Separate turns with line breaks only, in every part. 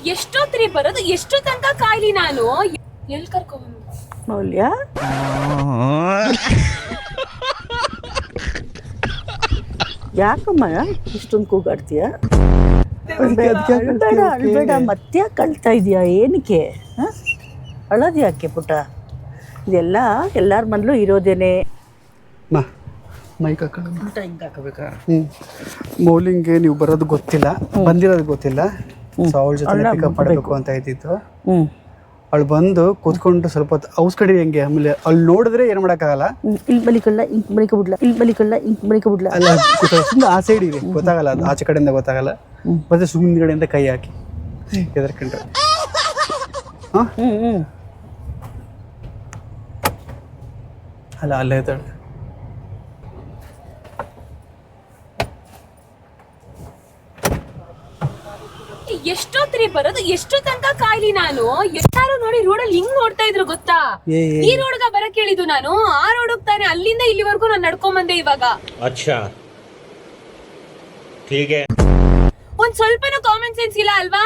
ಎಷ್ಟೊತ್ರಿ ಬರೋದು? ಎಷ್ಟು ತನಕ ಕಾಯ್ಲಿ ನಾನು? ಎಲ್ಲಿ ಕರ್ಕೊಂಡ್
ಮೌಲ್ಯ ಯಾಕಮ್ಮ ಇಷ್ಟೊಂದು ಕೂಗಾಡ್ತೀಯ? ಅಳ್ಬೇಡ ಮತ್ತೆ ಕಳ್ತಾ ಇದೀಯಾ? ಏನಕ್ಕೆ ಅಳೋದು ಯಾಕೆ ಪುಟ್ಟ? ಇದೆಲ್ಲ ಎಲ್ಲರ ಮನೇಲೂ ಇರೋದೇನೆ.
ಮೈಕ್ ಹಾಕೊಂಡು ಹಿಂಗೆ ಹಾಕಬೇಕಾ? ಮೌಲಿಂಗ್ಗೆ ನೀವು ಬರೋದು ಗೊತ್ತಿಲ್ಲ, ಬಂದಿರೋದು ಗೊತ್ತಿಲ್ಲ. ಸೊ ಅವಳ ಜೊತೆ ಪಿಕಪ್ ಮಾಡಬೇಕು ಅಂತ ಇದ್ದಿತ್ತು. ಅವಳು ಬಂದು ಕೂತ್ಕೊಂಡು ಸ್ವಲ್ಪ ಹೊತ್ತು ಔಸ್ಕಡಿ ಹೆಂಗೆ, ಆಮೇಲೆ ಅಲ್ಲಿ ನೋಡಿದ್ರೆ ಏನು ಮಾಡೋಕ್ಕಾಗಲ್ಲ.
ಇಲ್ಲಿ ಬಲಿಕಲ್ಲ ಇಂಕ್ ಬಲಿಕಬಿಡ್ಲ
ಅಲ್ಲ, ಸುಮ್ಮನೆ ಆ ಸೈಡ್ ಇದೆ, ಗೊತ್ತಾಗಲ್ಲ, ಅದು ಆಚೆ ಕಡೆಯಿಂದ ಗೊತ್ತಾಗಲ್ಲ. ಮತ್ತೆ ಸುಮ್ಮನೆ ಕಡೆಯಿಂದ ಕೈ ಹಾಕಿ ಎದರ್ಕೊಂಡ್ರೆ ಅಲ್ಲ ಅಲ್ಲೇ ಇದ್ದಾಳೆ.
ಎಷ್ಟೊತ್ರಿ ಬರೋದು? ಎಷ್ಟು ತನಕ ಕಾಯ್ಲಿ ನಾನು? ಎಲ್ಲಾರು ನೋಡಿ ರೋಡಲ್ಲಿ ಹಿಂಗ್ ನೋಡ್ತಾ ಇದ್ರು ಗೊತ್ತಾ? ಈ ರೋಡ್ಗ ಬರಕ್ ಹೇಳಿದ್ದು ನಾನು. ಆ ರೋಡ್ ಹೋಗ್ತಾನೆ, ಅಲ್ಲಿಂದ ಇಲ್ಲಿವರೆಗೂ ನಾನು ನಡ್ಕೊಂಡ್ ಬಂದೆ ಇವಾಗ.
ಅಚ್ಚಾ ಹೀಗೆ
ಒಂದ್ ಸ್ವಲ್ಪನೂ ಕಾಮನ್ ಸೆನ್ಸ್ ಇಲ್ಲ ಅಲ್ವಾ?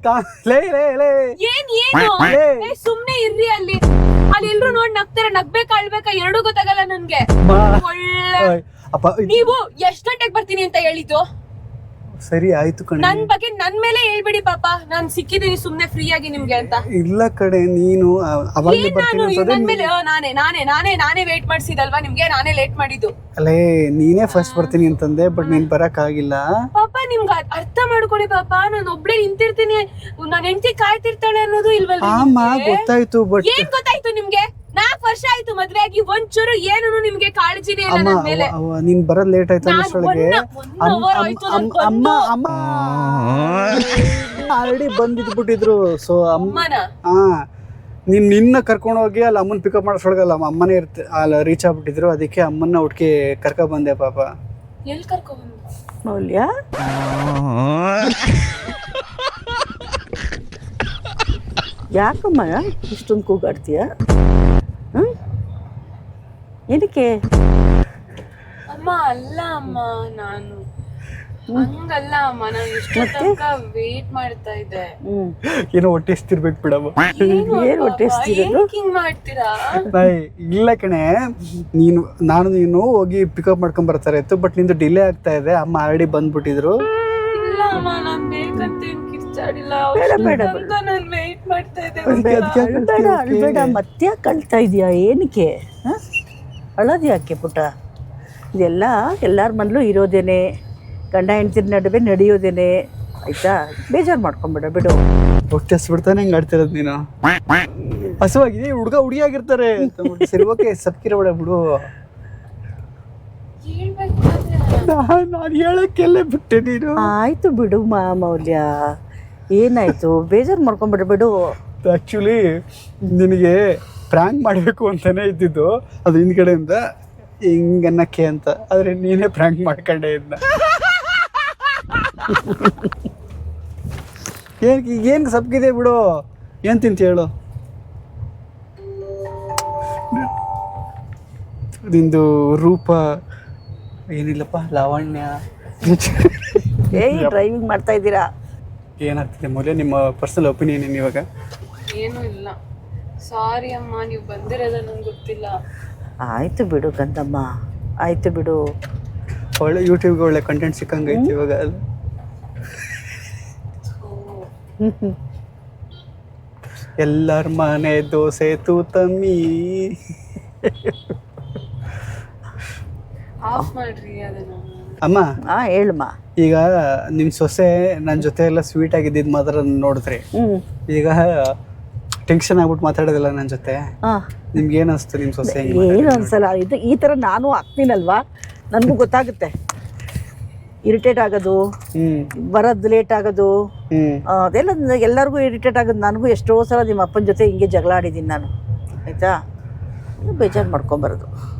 ಏನ್ ಸುಮ್ನೆ ಇರ್ರಿ. ಅಲ್ಲಿ ಎಲ್ರು ನೋಡ್ ನಗ್ತಾರ, ನಗ್ಬೇಕಾ ಅಳ್ಬೇಕಾ ಎರಡೂ ಗೊತ್ತಾಗಲ್ಲ ನನ್ಗೆ. ನೀವು ಎಷ್ಟ್ ಗಂಟೆಗೆ ಬರ್ತೀನಿ ಅಂತ ಹೇಳಿದ್ದು?
ಸರಿ ಆಯ್ತು ಕಣೆ,
ನನ್ ಬಗ್ಗೆ ನನ್ ಮೇಲೆ ಹೇಳ್ಬಿಡಿ ಪಾಪ. ನಾನ್ ಸಿಕ್ಕಿದೀನಿ ಸುಮ್ನೆ ಫ್ರೀ ಆಗಿ ನಿಮ್ಗೆ ಅಂತ.
ಇಲ್ಲ ಕಡೆ, ನೀನು
ನನ್ ಮೇಲೆ ನಾನೇ ವೇಟ್ ಮಾಡ್ಸಿದಲ್ವಾ ನಿಮ್ಗೆ? ನಾನೇ ಲೇಟ್ ಮಾಡಿದ್ದು.
ಅಲ್ಲೇ ನೀನೇ ಫಸ್ಟ್ ಬರ್ತೀನಿ ಅಂತಂದೆ, ಬಟ್ ನೀನ್ ಬರಕ್ ಆಗಿಲ್ಲ
ಪಾಪ. ನಿಮ್ಗೆ ಅರ್ಥ ಮಾಡ್ಕೊಳ್ಳಿ ಪಾಪ. ನಾನು ಒಬ್ಳೆ ನಿಂತಿರ್ತೀನಿ, ನಾನ್ ಹೆಂಡತಿ ಕಾಯ್ತಿರ್ತಾಳೆ ಅನ್ನೋದು ಇಲ್ವಲ್ಲ?
ಗೊತ್ತಾಯ್ತು, ಬಟ್
ಏನ್ ಗೊತ್ತಾಯ್ತು ನಿಮ್ಗೆ? 4 ವರ್ಷ ಆಯ್ತು ಮದ್ವೆ ಆಗಿ, ಒಂಚೂರು ಏನು ನಿಮ್ಗೆ ಕಾಳಜಿನೇ ಇಲ್ಲ ನನ್ ಮೇಲೆ.
ನೀನ್ ಬರೋದ್ ಲೇಟ್ ಆಯ್ತು ಅನ್ನೋಷ್ಟೊಳಗೆ ಅಮ್ಮ ಆಲ್ರೆಡಿ ಬಂದಿದ್ಬಿಟ್ಟಿದ್ರು. ಸೊ
ಅಮ್ಮನ
ನಿನ್ನ ಕರ್ಕೊಂಡು ಹೋಗಿ ಅಲ್ಲಿ ಅಮ್ಮನ್ ಪಿಕಪ್ ಮಾಡೋಷ್ಟೊಳಗಲ್ಲ ಅಮ್ಮನೇ ಅಲ್ಲಿ ರೀಚ್ ಆಗ್ಬಿಟ್ಟಿದ್ರು. ಅದಕ್ಕೆ ಅಮ್ಮನ್ನ ಹುಡ್ಕಿ ಕರ್ಕ ಬಂದೆ ಪಾಪ.
ಎಲ್ಲಿ ಕರ್ಕೊಂಡ್
ಮೌಲ್ಯ ಯಾಕಮ್ಮ ಇಷ್ಟೊಂದು ಕೂಗಾಡ್ತೀಯ? ಏನಕ್ಕೆ?
ಅಮ್ಮ ಅಲ್ಲ ಅಮ್ಮ, ನಾನು ಹಂಗಲ್ಲ ಅಮ್ಮ. ನಾನು ಇಷ್ಟ ತನಕ ವೇಟ್ ಮಾಡ್ತಾ ಇದ್ದೆ.
ಏನೋ ಹೊಟ್ಟೆ ಎಷ್ಟಿರ್ಬೇಕು ಬಿಡಮ್ಮ.
ಏನ್ ಹೊಟ್ಟೆ
ಹಿಂಗ್ ಮಾಡ್ತೀರಾ?
ಇಲ್ಲ ಕಣೆ, ನೀನು ಹೋಗಿ ಪಿಕಪ್ ಮಾಡ್ಕೊಂಡ್ ಬರ್ತಾರೆ ಇತ್ತು, ಬಟ್ ನಿಂದು ಡಿಲೇ ಆಗ್ತಾ ಇದೆ. ಅಮ್ಮ ಆಲ್ರೆಡಿ ಬಂದ್ಬಿಟ್ಟಿದ್ರು.
ಇಲ್ಲ ಅಮ್ಮ, ನಾನ್ ಬೇಕಂತ ಕಿರ್ಚಾಡಿಲ್ಲ. ನಾನು ವೇಟ್ ಮಾಡ್ತಾ ಇದ್ದೆ.
ಅಳ್ಬೇಡ ಮತ್ತೆ ಕಳ್ತಾ ಇದೀಯಾ? ಏನಕ್ಕೆ ಅಳೋದು ಯಾಕೆ ಪುಟ್ಟ? ಇದೆಲ್ಲ ಎಲ್ಲರ ಮನೇಲೂ ಇರೋದೇನೆ, ಗಂಡ ಹೆಂಡ್ತಿರ ನಡುವೆ ನಡೆಯೋದೇನೆ, ಆಯ್ತಾ? ಬೇಜಾರು ಮಾಡ್ಕೊಂಬೇಡ ಬಿಡು.
ಹೊಟ್ಟೆ ಹಸ್ಬಿಡ್ತಾನೆ ಹಿಂಗೆ ಆಡ್ತಿರೋದು ನೀನು. ಹಸುವಾಗಿದೆ, ಹುಡುಗಿಯಾಗಿರ್ತಾರೆ. ಸರಿ ಓಕೆ, ಸಬ್ಕಿರಬೇಡ ಬಿಡು. ನಾನು ಹೇಳಕ್ಕೆಲ್ಲ ಬಿಟ್ಟೆ ನೀನು.
ಆಯ್ತು ಬಿಡು ಮೌಲ್ಯ, ಏನಾಯ್ತು? ಬೇಜಾರು ಮಾಡ್ಕೊಂಬೇಡ ಬಿಡು.
ಆ್ಯಕ್ಚುಲಿ ನಿನಗೆ ಪ್ರ್ಯಾಂಕ್ ಮಾಡಬೇಕು ಅಂತಾನೆ ಇದ್ದಿದ್ದು, ಅದು ಹಿಂದ್ಗಡೆಯಿಂದ ಹಿಂಗನ್ನಕ್ಕೆ ಅಂತ. ಆದರೆ ನೀನೇ ಪ್ರ್ಯಾಂಕ್ ಮಾಡ್ಕೊಂಡೆ ಇದನ್ನ. ಏನು ಸಬ್ಗಿದೆ ಬಿಡು. ಏನು ತಿಂತ ಹೇಳು? ನಿಂದು ರೂಪ ಏನಿಲ್ಲಪ್ಪ, ಲಾವಣ್ಯ.
ಡ್ರೈವಿಂಗ್ ಮಾಡ್ತಾ ಇದ್ದೀರಾ?
ಏನಾಗ್ತಿದೆ ಮೌಲ್ಯ, ನಿಮ್ಮ ಪರ್ಸನಲ್ ಒಪಿನಿಯನ್ ಏನು ಇವಾಗ?
ಏನೂ ಇಲ್ಲ, ಸಾರಿ ಅಮ್ಮ, ನೀವು ಬಂದಿರೋದ ನಂಗೆ ಗೊತ್ತಿಲ್ಲ.
ಆಯ್ತು ಬಿಡು ಕಂದಮ್ಮ, ಆಯ್ತು ಬಿಡು.
ಒಳ್ಳೆ ಯೂಟ್ಯೂಬ್ಗೆ ಒಳ್ಳೆ ಕಂಟೆಂಟ್ ಸಿಕ್ಕಂಗೈತಿ ಇವಾಗ. ಎಲ್ಲರ ಮನೆ ದೋಸೆ ತೂತಮ್ಮಿ.
ಆಫ್ ಮಾಡ್ರಿ ಅದನ್ನ.
ಅಮ್ಮ
ಹೇಳಮ್ಮ.
ಈಗ ನಿಮ್ಮ ಸೊಸೆ ನನ್ನ ಜೊತೆ ಎಲ್ಲ ಸ್ವೀಟ್ ಆಗಿದ್ದಿದ್ದು ಮಾತ್ರ ನೋಡಿದ್ರಿ. ಈಗ ಟೆನ್ಷನ್ ಆಗ್ಬಿಟ್ಟು ಮಾತಾಡೋದಿಲ್ಲ ನನ್ನ ಜೊತೆ. ನಿಮ್ಗೆ ಏನು ಅನಿಸ್ತು ನಿಮ್ಮ ಸೊಸೆ?
ಏನು ಅನ್ಸಲ್ಲ. ಈ ಥರ ನಾನು ಆಗ್ತೀನಲ್ವಾ, ನನಗೂ ಗೊತ್ತಾಗುತ್ತೆ. ಇರಿಟೇಟ್ ಆಗೋದು, ಬರೋದು ಲೇಟ್ ಆಗೋದು, ಅದೆಲ್ಲ ಎಲ್ಲರಿಗೂ ಇರಿಟೇಟ್ ಆಗೋದು. ನನಗೂ ಎಷ್ಟೋ ಸಲ ನಿಮ್ಮ ಅಪ್ಪನ ಜೊತೆ ಹಿಂಗೆ ಜಗಳ ಆಡಿದ್ದೀನಿ ನಾನು, ಆಯಿತಾ? ಬೇಜಾರು ಮಾಡ್ಕೊಂಬರೋದು.